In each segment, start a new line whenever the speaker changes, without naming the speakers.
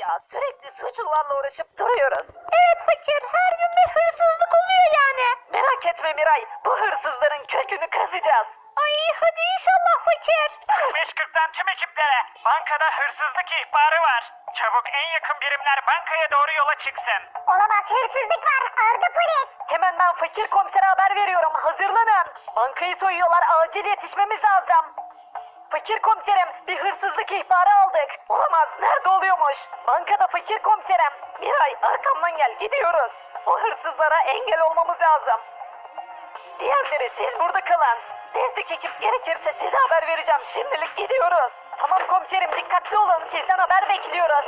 ya? Sürekli suçlularla uğraşıp duruyoruz. Evet fakir, her gün bir hırsızlık oluyor yani. Merak etme Miray, bu hırsızların kökünü kazacağız. Ay hadi inşallah fakir.
5.40'dan tüm ekiplere. Bankada hırsızlık ihbarı var. Çabuk en yakın birimler bankaya doğru yola çıksın.
Olamaz, hırsızlık var. Arda polis.
Hemen ben fakir komisere haber veriyorum. Hazırlanın. Bankayı soyuyorlar. Acil yetişmemiz lazım. Fakir komiserim, bir hırsızlık ihbarı aldık. Olamaz, nerede oluyormuş? Bankada fakir komiserim. Miray, arkamdan gel, gidiyoruz. O hırsızlara engel olmamız lazım. Diğerleri siz burada kalın. Destek ekip gerekirse size haber vereceğim. Şimdilik gidiyoruz. Tamam komiserim, dikkatli olun. Sizden haber bekliyoruz.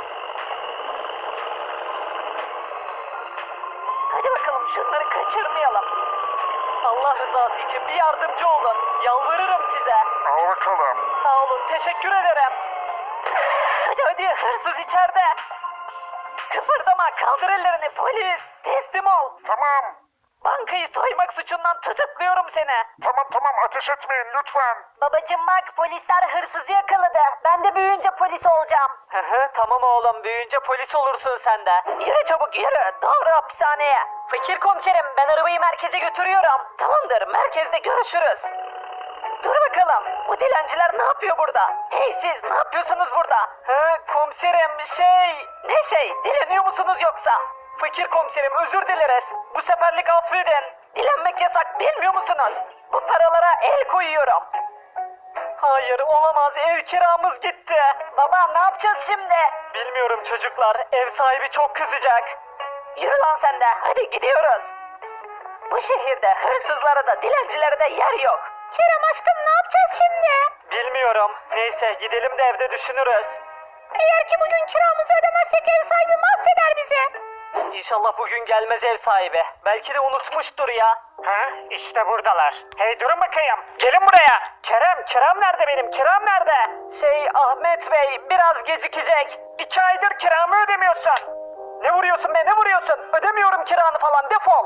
Hadi bakalım, şunları kaçırmayalım. Allah rızası için bir yardımcı olun. Yalvarırım size.
Al bakalım.
Sağ olun, teşekkür ederim. Hadi hadi, hırsız içeride. Kıpırdama, kaldır ellerini polis. Teslim ol.
Tamam.
Bankayı soymak suçundan tutukluyorum seni.
Tamam ateş etmeyin lütfen.
Babacım bak, polisler hırsızı yakaladı. Ben de büyüyünce polis olacağım. Tamam oğlum, büyüyünce polis olursun sen de. Yürü çabuk yürü, doğru hapishaneye. Fakir komiserim, ben arabayı merkeze götürüyorum. Tamamdır, merkezde görüşürüz. Dur bakalım, bu dilenciler ne yapıyor burada? Hey siz, ne yapıyorsunuz burada? Komiserim Ne dileniyor musunuz yoksa? Fakir komiserim, özür dileriz. Bu seferlik affedin. Dilenmek yasak, bilmiyor musunuz? Bu paralara el koyuyorum. Hayır, olamaz, ev kiramız gitti. Baba, ne yapacağız şimdi? Bilmiyorum çocuklar, ev sahibi çok kızacak. Yürü lan sen de, hadi gidiyoruz. Bu şehirde hırsızlara da dilencilere de yer yok. Kerem aşkım, ne yapacağız şimdi? Bilmiyorum. Neyse, gidelim de evde düşünürüz. Eğer ki bugün kiramızı ödemezsek ev sahibi mahveder bizi. İnşallah bugün gelmez ev sahibi. Belki de unutmuştur ya.
İşte buradalar. Hey durun bakayım. Gelin buraya.
Kiram nerede benim? Kiram nerede? Ahmet Bey biraz gecikecek.
2 aydır kiramı ödemiyorsun.
Ne vuruyorsun be, ne vuruyorsun? Ödemiyorum kiranı falan, defol.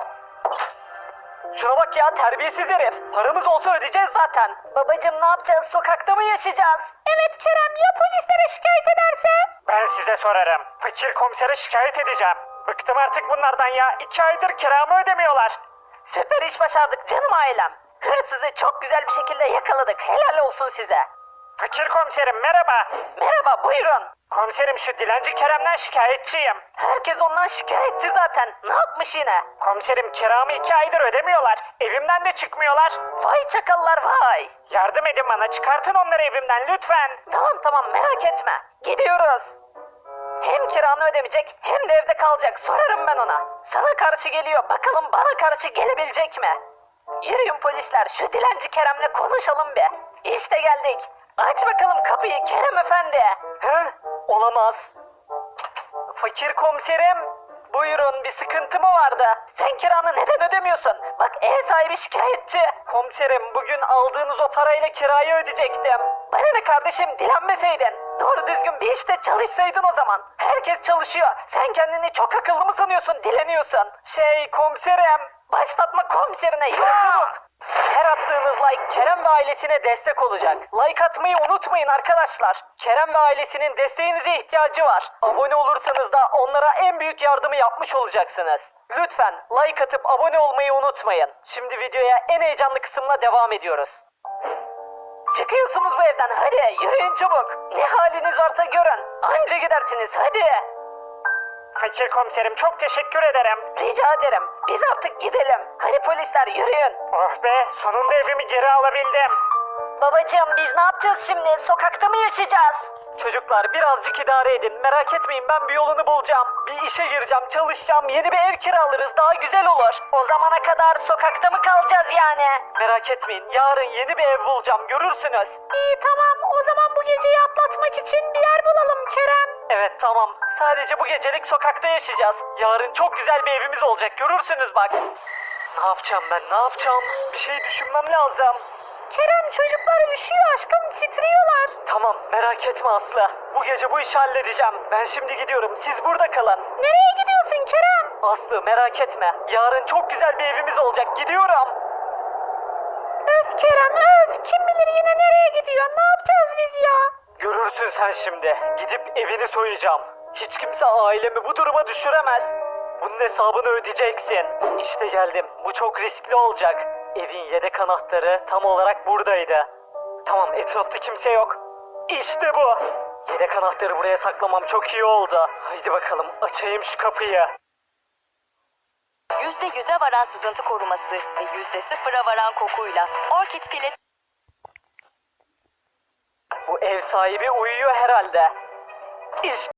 Şuna bak ya, terbiyesiz herif. Paramız olsa ödeyeceğiz zaten. Babacım ne yapacağız? Sokakta mı yaşayacağız? Evet Kerem, ya polislere şikayet ederse?
Ben size sorarım. Fakir komisere şikayet edeceğim. Bıktım artık bunlardan ya. 2 aydır kiramı ödemiyorlar.
Süper iş başardık canım ailem. Hırsızı çok güzel bir şekilde yakaladık. Helal olsun size.
Fakir komiserim merhaba.
Merhaba, buyurun.
Komiserim şu dilenci Kerem'den şikayetçiyim.
Herkes ondan şikayetçi zaten. Ne yapmış yine?
Komiserim kiramı 2 aydır ödemiyorlar. Evimden de çıkmıyorlar.
Vay çakallar vay.
Yardım edin bana, çıkartın onları evimden lütfen.
Tamam merak etme. Gidiyoruz. Hem kiranı ödemeyecek hem de evde kalacak. Sorarım ben ona. Sana karşı geliyor. Bakalım bana karşı gelebilecek mi? Yürüyün polisler. Şu dilenci Kerem'le konuşalım bir. İşte geldik. Aç bakalım kapıyı Kerem efendi. Olamaz. Fakir komiserim. Buyurun, bir sıkıntı mı vardı? Sen kiranı neden ödemiyorsun? Bak ev sahibi şikayetçi. Komiserim, bugün aldığınız o parayla kirayı ödeyecektim. Bana ne kardeşim, dilenmeseydin. Doğru düzgün bir işte çalışsaydın o zaman. Herkes çalışıyor. Sen kendini çok akıllı mı sanıyorsun, dileniyorsun? Komiserim. Başlatma komiserine, yürü çabuk. Her attığınız like Kerem ve ailesine destek olacak. Like atmayı unutmayın arkadaşlar. Kerem ve ailesinin desteğinize ihtiyacı var. Abone olursanız da onlara en büyük yardımı yapmış olacaksınız. Lütfen like atıp abone olmayı unutmayın. Şimdi videoya en heyecanlı kısımla devam ediyoruz. Çıkıyorsunuz bu evden, hadi yürüyün çabuk. Ne haliniz varsa görün. Anca gidersiniz, hadi.
Fakir komiserim çok teşekkür ederim.
Rica ederim. Biz artık gidelim. Hadi polisler yürüyün.
Oh be, sonunda evimi geri alabildim.
Babacığım biz ne yapacağız şimdi? Sokakta mı yaşayacağız? Çocuklar birazcık idare edin. Merak etmeyin, ben bir yolunu bulacağım. Bir işe gireceğim, çalışacağım. Yeni bir ev kiralarız. Daha güzel olur. O zamana kadar sokakta mı kalacağız yani? Merak etmeyin. Yarın yeni bir ev bulacağım. Görürsünüz. İyi tamam. O zaman bu geceyi atlatmak için bir yer bulalım Kerem. Evet tamam. Sadece bu gecelik sokakta yaşayacağız. Yarın çok güzel bir evimiz olacak. Görürsünüz bak. Ne yapacağım ben? Ne yapacağım? Bir şey düşünmem lazım. Kerem çocuklar üşüyor aşkım, titriyorlar. Tamam merak etme Aslı. Bu gece bu işi halledeceğim. Ben şimdi gidiyorum. Siz burada kalın. Nereye gidiyorsun Kerem? Aslı merak etme. Yarın çok güzel bir evimiz olacak. Gidiyorum. Öf Kerem öf. Kim bilir yine nereye gidiyor. Ne yapacağız biz ya? Görürsün sen şimdi. Gidip evini soyacağım. Hiç kimse ailemi bu duruma düşüremez. Bunun hesabını ödeyeceksin. İşte geldim. Bu çok riskli olacak. Evin yedek anahtarı tam olarak buradaydı. Tamam, etrafta kimse yok. İşte bu. Yedek anahtarı buraya saklamam çok iyi oldu. Haydi bakalım, açayım şu kapıyı.
%100'e varan sızıntı koruması ve %0'a varan kokuyla Orchid Pilet
Bu ev sahibi uyuyor herhalde. İşte